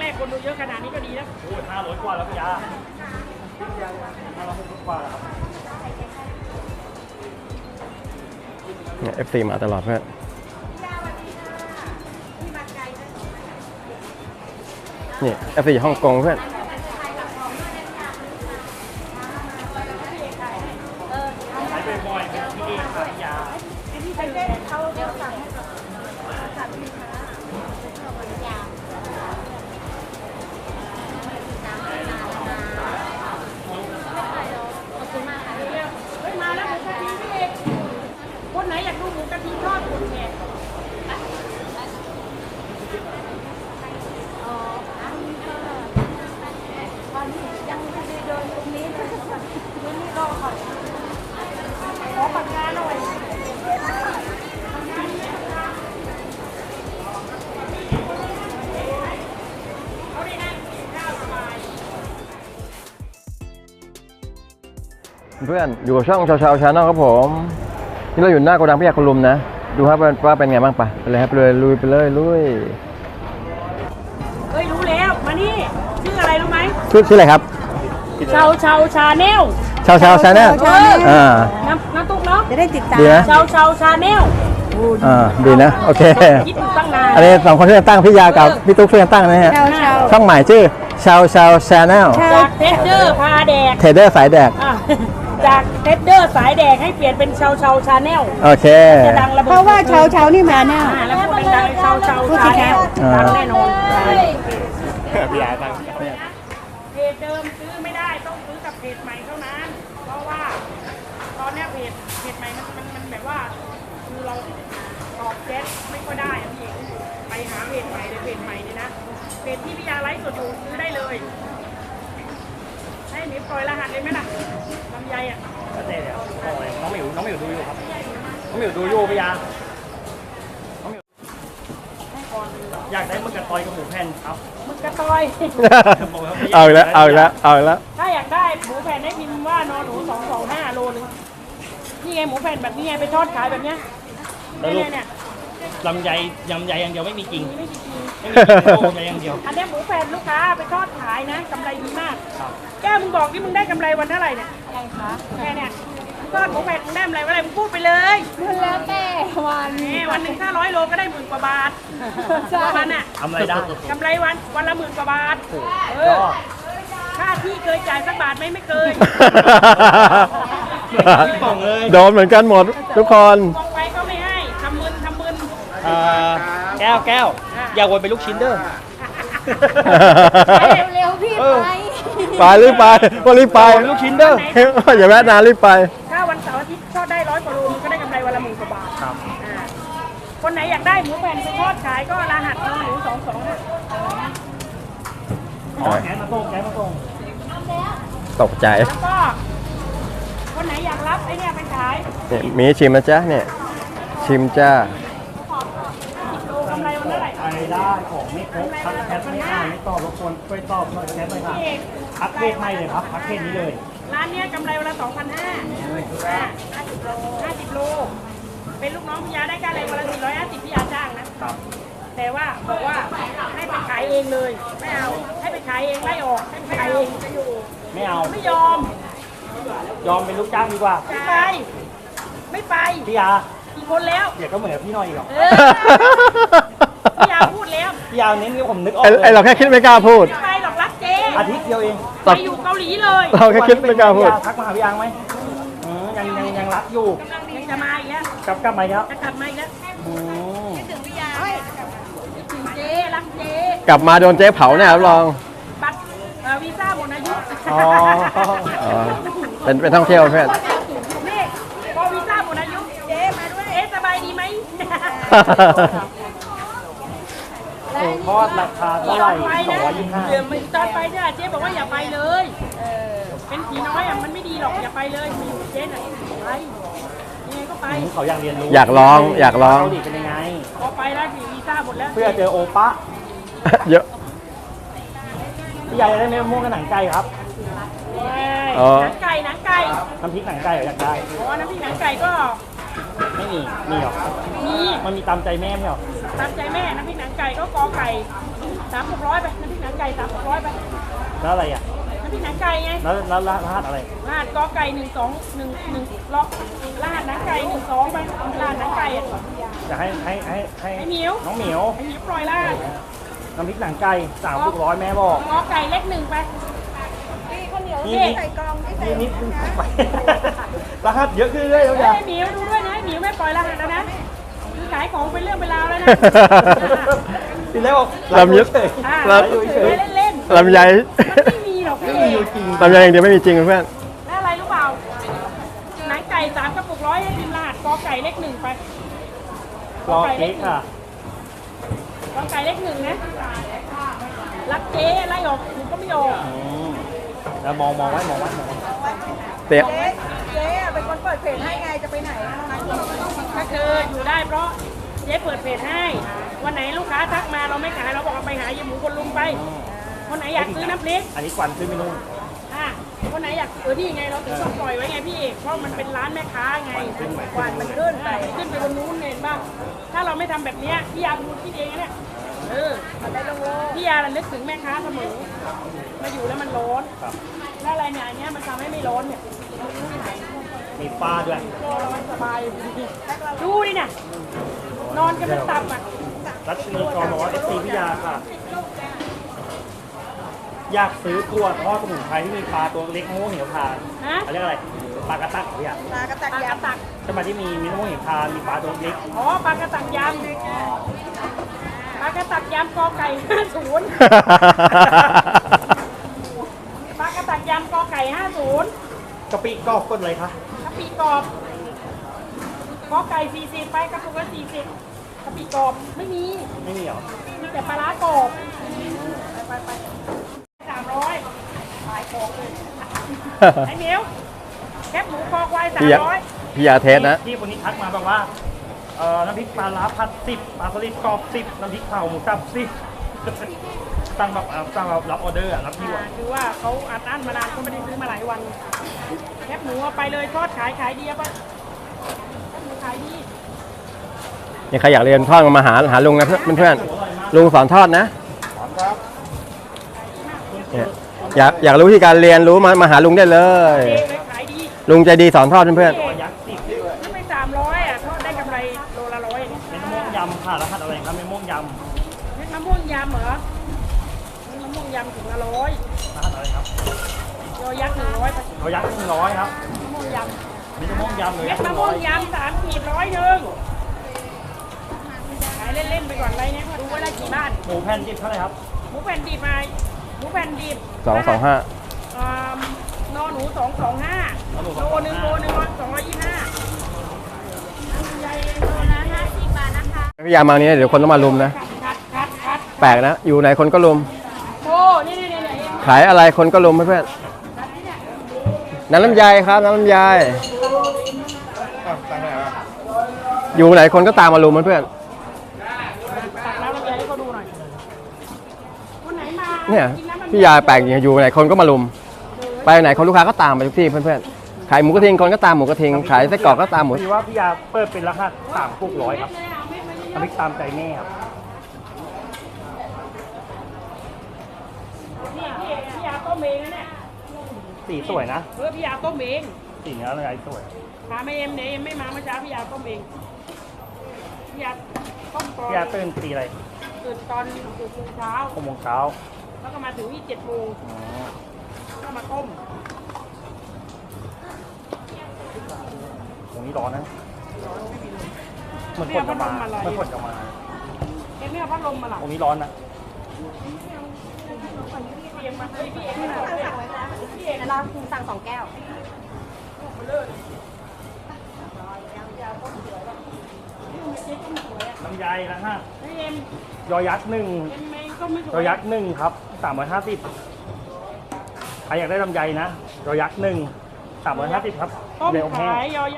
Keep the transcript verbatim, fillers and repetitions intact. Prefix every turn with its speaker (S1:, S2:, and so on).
S1: กคนดูเยอะขนาดนี้ก็ดีนะโอ้ยห้าร้อยกว่าแล้วพี่ยาห้าร้อยกว่าแล้วครับ
S2: เนี่ย เอฟ ซี มาตลอดเพื่อนนี่ เอฟ ซี ฮ่องกงเพื่อน
S1: ใช้บ่อยๆเป็นที่เองครับพี่ยาที่ใช้เล่นเขาเดี๋ยวสั่งให้สั่งพี่ค้ามาแล้วหมูกะทิพี่เอกคนไหนอยากดูหมูกะทิทอดคุณเนี่ยยังไม่ได้เดินตรงนี้เลยตรงนี้รอก่อนขอปากกาหน่อย
S2: เพื่อนอยู่กับช่องชาวชาวชาแนลครับผมนี่เราอยู่หน้าโกดังพี่ยาคุณลุมนะดูครับว่าเป็นไงบ้างปะไปเลยครับเลยลุยไปเลยลุย
S1: เฮ้ยรู้แล้วมานี่ชื่ออะไรรู้ไหม
S2: ชื่อชื่ออะไรครับ
S1: ชาวชาวชาแนล
S2: ชาวชาวชาแนลอ่า
S1: น้ำน้ำตุ๊กเนาะ
S3: จะได้ติดตาม
S1: ชาวชาวชาแนล
S2: อ่าดีนะโอเค
S1: คิดตั้งนาน
S2: อันนี้สองคนช่วยกันตั้งพี่ยากับพี่ตุ๊กช่วยกันตั้งนะฮะช่องใหม่ชื่อชาวชาวชาแนล
S1: จากเทสเดอร์พาแดก
S2: เทเดอร์สายแดก
S1: จากเทสเดอร์สายแดกให้เปลี่ยนเป็นชาวชาวชาแนล
S2: โอเค
S3: เพราะว่าชาวชาวนี่มาแน่
S1: แล้วพูดดังๆชาวชาวชาแนลดังแน่นอน
S2: พี่ยาตั้ง
S1: เพจเดิมซื้อไม่ได้ต้องซื้อกับเพจใหม่เท่านั้นเพราะว่าตอนนี้เพจเพจใหม่มันมันมันแบบว่าคือเราตอบแชทไม่ค่อยได้อะพี่ไปหาเพจใหม่เลยเพจใหม่เนี่ยนะเพจที่พี่ยาไลฟ์สดอยู่ซื้อได้เลยให้หมีปล่อยรหัสเลยไหมล่ะลำไยอ่ะก็เจ๊เดี๋ยวน้องหมิวน้องหมิวดูอยู่ครับน้องหมิวดูอยู่พี่ยาน้องหมิวอยากได้มึกกระตอยกับหมูแผ่นครับมึกกระตอย
S2: เอาแล้วเอาแล้วเอาแล้ว
S1: ถ้าอยากได้หมูแผ่นให้พิมพ์ว่านอนหนูสองสองห้าโลนึงนี่ไงหมูแผ่นแบบนี้ไงไปทอดขายแบบเนี้ยเนี่ยเนี่ยลำไยยำไยอย่างเดียวไม่มีจริงไม่มีจริงไม่มีจริงลำไยอย่างเดียวอันนี้หมูแผ่นลูกค้าไปทอดขายนะกำไรดีมากแก้วมึงบอกที่มึงได้กำไรวันเท่าไหร่เนี่ยอะไรคะแค่เนี่ยทอดหมูแผ่นมึงได้กำไรวันอะไรมึงพูดไปเลย
S3: มันแล้วแต่วัน
S1: นี่วันหนึ่งถ้าร้อยโลก็ได้หมื่นกว่าบาทวันน่ะกำไรได้กำไรวันวันละหมื่นกว่าบาทเออค่าที่เคยจ่ายสักบาทไหมไม่เคย
S2: โดนเหมือนกันหมดทุกคน
S1: มองไปก็ไม่ให้ทำมึนทำมึน
S4: แก้วแก้วอย่าวนไปลูกชิ้นเด้อ
S3: เร็วๆพี่ไป
S2: ไปรีบไปก็รีบไป
S4: ลูกชิ้นเด้อ
S2: อย่าแวะนานรีบไป
S1: ถ้าวันเสาร์อาทิตย์ทอดได้ร้อยกว่าโลมันก็ได้กำไรวันละหมื่นกว่าบาทครับคนไหนอยากได้หมูแผ่นไปทอดขายก็รหัสหมูสองสอง
S4: อ๋อแกมาส่งแกมาส่ง
S2: ตกใจ
S1: แล้วก็คนไหนอยากรับไอ้เนี่ยไปขาย
S2: เนี่ยมีชิมนะจ๊ะเนี่ยชิมจ้า
S1: กำไรวันเท่าไหร่
S4: ไปได้ของไม่ครบพักแคทไม่ได้ไม่ตอบรบกวนช่วยตอบหน่อยแคทหน่อยค่ะพักเพศให้เลยครับพักเพศนี้เลย
S1: ร้านนี้กำไรวันละสองพันห้าห้าสิบโลห้าสิบโลเป็นลูกน้องพี่ยาได้ค่าแรงวันละสี่ร้อยห้าสิบพี่ยาจ้างนะครับแต่ว่าบอกว่าให้ไปขายเองเลยไม่เอาให้ไปขายเองไล่ออกให้ไปขายเองจะอยู่
S4: ไม่เอา
S1: ไม่ยอม
S4: ยอมเป็นลูกจ้างดีกว่า
S1: ไม่ไปไม่ไป
S4: พี่ยา
S1: อีกคนแล้ว
S4: เดี๋ยวก็เหมือนกับพี่น้อยอีกหรอ
S1: พี่ยาพูดแล้ว
S4: พี่ยาเน้นนี่ผมนึกออก
S2: ไอเราแค่คิดไม่กล้าพูด
S1: ไม่ไปหรอกรักเจ๊
S4: อาทิตย์เดียวเอง
S1: ไปอยู่เกาหลีเลย
S2: เราแค่คิดไม่กล้าพูด
S4: ทักมาหาพี่ยาไหมยังยังยังรักอยู่
S1: ยังจะมาอีกแล้ว
S4: กลับกลับมาแล้ว
S1: จะกลับมาอีกแล้วคิดถึงพี่ยาคิดถึงเจ๊รักเจ๊
S2: กลับมาโดนเจ๊เผาเนี่ยรับรอง
S1: บัตรวีซ่าหมดอายุ
S2: อ๋อเป็นเป็นท่องเที่ยวเพื่อน
S1: นี่พอวีซ่าหมดอายุเจ๊มาด้วยเอ๊ะสบายดีไหม
S4: ทอดราคาเท่าไหร่สองร้อยยี่สิบห้า
S1: เดี๋ยวมันตอนไปเนี่ยเจ๊บอกว่าอย่าไปเลยเป็นผีน้อยอ่ะมันไม่ดีหรอกอย่าไปเลยมีอยู่เจ๊น่ะไปยังไงก็ไป
S4: เขาอยากเรียนรู้
S2: อยากลองอยากลอง
S4: เกาหลีเป็นยังไง
S1: พอไปแล้ววีซ่าหมดแล้ว
S4: เพื่อเจอโอปะ
S2: เยอะ
S4: พี่ใหญ่ได้เนื้อม่วงกับหนังไก่ครับ
S1: หนังไก่หนังไก่
S4: น้ำพริกหนังไก่อยากได้
S1: อ๋อน้ำพริกหนังไก่ก็
S4: ไม่มีมีหรอ
S1: มี
S4: มันมีตามใจแม่ไม่หรอ
S1: ตามใจแม่น้ำพริกหนังไก่ก็กอไก่สสามหกร้อยไปน้ำพริกหนังไก่สามหกร้อยไป
S4: แล้วอะไรอ่ะ
S1: น้ำพริกหนังไก่ไง
S4: แล้วแล้วรหัสอะไร
S1: รหัสกอไก่หนึ่งสองหนึ่งหนึ่งล็อกรหัสหนังไก่หนึ่งสองไปรหัสหนังไก่อ่ะ
S4: จะให้ให้ให้ให้
S1: ให้เหมียว
S4: น้องเหมียว
S1: ไอ้หมีปล่อยรหัส
S4: น้ำพริกหนังไก่สามหกร้อยแม่บอก
S1: กอไก่เล็กหนึ่งไป
S4: นี่นี่นี่นี่เพิ่งไปรหัสเยอะขึ้นเรื่อยๆแล้ว
S1: เฮ้
S4: จ้ะ
S1: ยหมิวดูด้วยนะหมิวไม่ปล่อยรหัสแล้วนะคือขายของเป็นเรื่องเป็นราวแล้วนะ
S4: ทีแรกบอก
S2: ลำยึด
S1: อ่า
S2: ล
S1: เล่นเล่นๆ
S2: ำลำไย
S1: มันไม่มีหรอกพี่เอก
S2: ลำไยอย่างเดียวไม่มีจริงเพื่อน
S1: แล้วอะไรรู้เปล่าหนังไก่สามกระปุกร้อยให้พิมพ์รหัสกอไก่เล็กหนึ่งไป
S4: รอเค้กค่ะ
S1: กอไก่เล็กหนึ่งนะรักเจ๊ไล่ออกหนูก็ไม่ออก
S4: อืมแล้วมองมองไว้มองไว้มองไว้
S2: เตะ
S3: เจ๊เป็นคนเปิดเพจให้ไงจะไปไหนอะ
S1: ก็คืออยู่ได้เพราะเจ๊เปิดเพจให้วันไหนลูกค้าทักมาเราไม่ขายเราบอกเอาไปหายายหมูคนลุงไปคนไหนอยากซื้อน้ำพริก
S4: อันนี้ควันขึ้นไม่นู่น
S1: อ่ะคนไหนอยากเออนี่ไงเราถึงต้องปล่อยไว้ไงพี่เอกเพราะมันเป็นร้านแม่ค้าไง
S4: ขึ้นไหม
S1: ควันมันขึ้นไปขึ้นไปบนนู้นเห็นป่ะถ้าเราไม่ทำแบบเนี้ยพี่ยาพูดคิดเองนะเนี่ยเออพี่ยาระลึกถึงแม่ค้าเสมอมาอยู่แล้วมันร้อน
S4: ครับ
S1: แล้วอะไรเนี่ยอันเนี้ยมันทำให้ไม่ร้อนเนี่ย
S4: มีปลาด้วย
S1: ก็เราสบายดูดิเนี่ยนอนกันเป็นตับอ่ะ
S4: รัชนีกรบอกว่าเอฟซีพิยาค่ะ อยากซื้อตัวทอดสมุนไพรที่มีปลาตัวเล็กมะม่วงเหนียวทาน
S1: ฮะ
S4: เขาเรียกอะไรปลากระตักเหรอพี่อะ
S3: ตากระตัก
S1: ปลาก
S3: ยา
S1: ระตัก
S4: ใช่ไหมที่มีมีมะม่วงเหนียวทานมีปลาตัวเล็ก
S1: อ๋อปลากระตักยำปลากระตักยำกอไก่ห้าศูนย์ปลากระตักยำกอไก่ห้าศูนย์
S4: กะปิกรอบก้นอะไรคะ
S1: กะปิกรอบกอไก่สี่สิบไปกระปุกละสี่สิบกะปิกรอบไม่มี
S4: ไม่มีเหรอ
S1: มีแต่ปลาร้ากรอบไปไปไปสามร้อยขายของเลยไอ้เหมียวแคบหมูคอควายสาม
S2: พี่ยา
S1: ร้อย
S2: พี่ยาเทสนะ
S4: ที่คนนี้ทักมาบอกว่าเอ่อน้ำพริกปลาล้าพัดสิบปลาสลิดกรอบสิบน้ำพริกเผาหมูสับสิบสั่งแบบอ่าสั่งแบบรับออเดอร์อะรับที่ว่า
S1: อ่าคือว่าเขาอัดอั้นมานานเขาไม่ได้ซื้อมาหลายวันแคบหมูเอาไปเลยทอดขายขายดีอะปะแคบหมูขายดี
S2: นี่ใครอยากเรียนทอดมาหาหาลุงนะเพื่อนเพื่อนๆลุงสอนทอดนะเนี่ยอยากอยากรู้วิธีการเรียนรู้มามาหาลุงได้เลย
S1: เจ๊เลยขายดี
S2: ลุงใจดีสอนทอดเพื่อน
S1: เจ๊
S4: ยักษ์สิบ
S1: ถ้าไปสามร้อยอ่ะทอดได้กำไรโลละร้อยเนี่ย
S4: เป็นมะม่วงยำค่ะรหัสอะไรครับเป็นมะม่วงย
S1: เม็ดมะม่วงยำเหรอเม็ดมะม่วงยำถุงละร้อย
S4: ำรหัสอะไรครับ
S1: ยอยักษ์หนึ่งร้อยไป
S4: เขายักษ์หนึ่งร้อยครับ
S1: มะม่วงย
S4: มีมะม่วงยำ
S1: ำ
S4: เลย
S1: เม็ดมะม่วงยำสามขีดร้อยหนึ่งขายเล่นๆไปก่อนอะไรเนี่ยดูว่าได้กี่บ้าน
S4: หมูแผ่นดิบเท่าไหร่ครับ
S1: หมูแผ่นดิบมาหมูแผ่นดิบ
S2: ๆสองสองห้า
S1: อ่านอหนูสองสองห้าโลหนึ่งโลหนึ่งร้อยสองร้อยยี่สิบห้าใหญ่โลละห้าสิบบาทนะคะ
S2: พี่ยามานี้เดี๋ยวคนต้องมาลุมนะ
S1: คัดคัดคัด
S2: แปลกนะ อยู่ไหนคนก็ลุม
S1: โอ้นี่นี่นี่นี่
S2: ขายอะไรคนก็ลุมเพื่อนๆน้ำลำไยครับน้ำลำไยอยู่ไหนคนก็ตามมาลุมเพื่อน
S1: ตักน้ำลำไยให้เขาดูหน่อยคนไหนมา
S2: ๆเนี่ย
S1: กินน้ำลำไ
S2: พี่ยาแปลกอย่างอยู่ไหนคนก็มาลุม ไปไหนคนลูกค้าก็ตามไปทุกที่เพื่อนๆขายหมูกระเทียมคนก็ตามหมูกระเทียมขายไส้กรอกก็ตามหมู
S4: พอดีว่าพี่ยาเปิดเป็นรหัสสามกุกร้อยครับ
S1: เลยเอาเม็ดมาเย
S4: น้ำพริกตามใจแม่ครับ
S1: อะๆนี่พี่พี่ยาต้มเองนะเนี่ย
S4: สีสวยนะ
S1: เออพี่ยาต้มเอง
S4: สีเนื้ออะไรสวย
S1: ถามไอเอ็มเนี่ยเอ็มไม่มาเมื่อเช้าพี่ยาต้มเองพี่ยาต้มก่อน
S4: พี่ยาตื่นตีอะไร
S1: ตื่นตอนตื่นโมงเช้า
S4: หกโมงเช้า
S1: แล้วก็มาถึงที่เจ็ดโมง
S4: อ๋อ
S1: ก็มาต้ม
S4: ตรงนี้ร้อนนะเหมือนฝนจะมาเหมือนฝนจะมา
S1: เอ็มไม่เอาพัดลมมาหรอ
S4: ตรงนี้ร้อนนะ
S1: พี่เอ็มมาเฮ้ยพี่เอ็มไม่เอาพี่เอ็ม
S3: เราสั่งสองแก้ว
S4: ลำไยนะฮะ
S1: เฮ้ยเอ็ม
S4: ยอยักษ์หนึ่ง
S1: เอ็มไม่ก็ไม่ส
S4: ย
S1: ว
S4: อย ยักษ์หนึ่งครับสามร้อยห้าสิบใครอยากได้ลำไยนะยอยักษ์หนึ่งสามร้อยห้าสิบครับ
S1: ต้ม
S4: เดี๋ยวแห้ง
S1: ขายยอ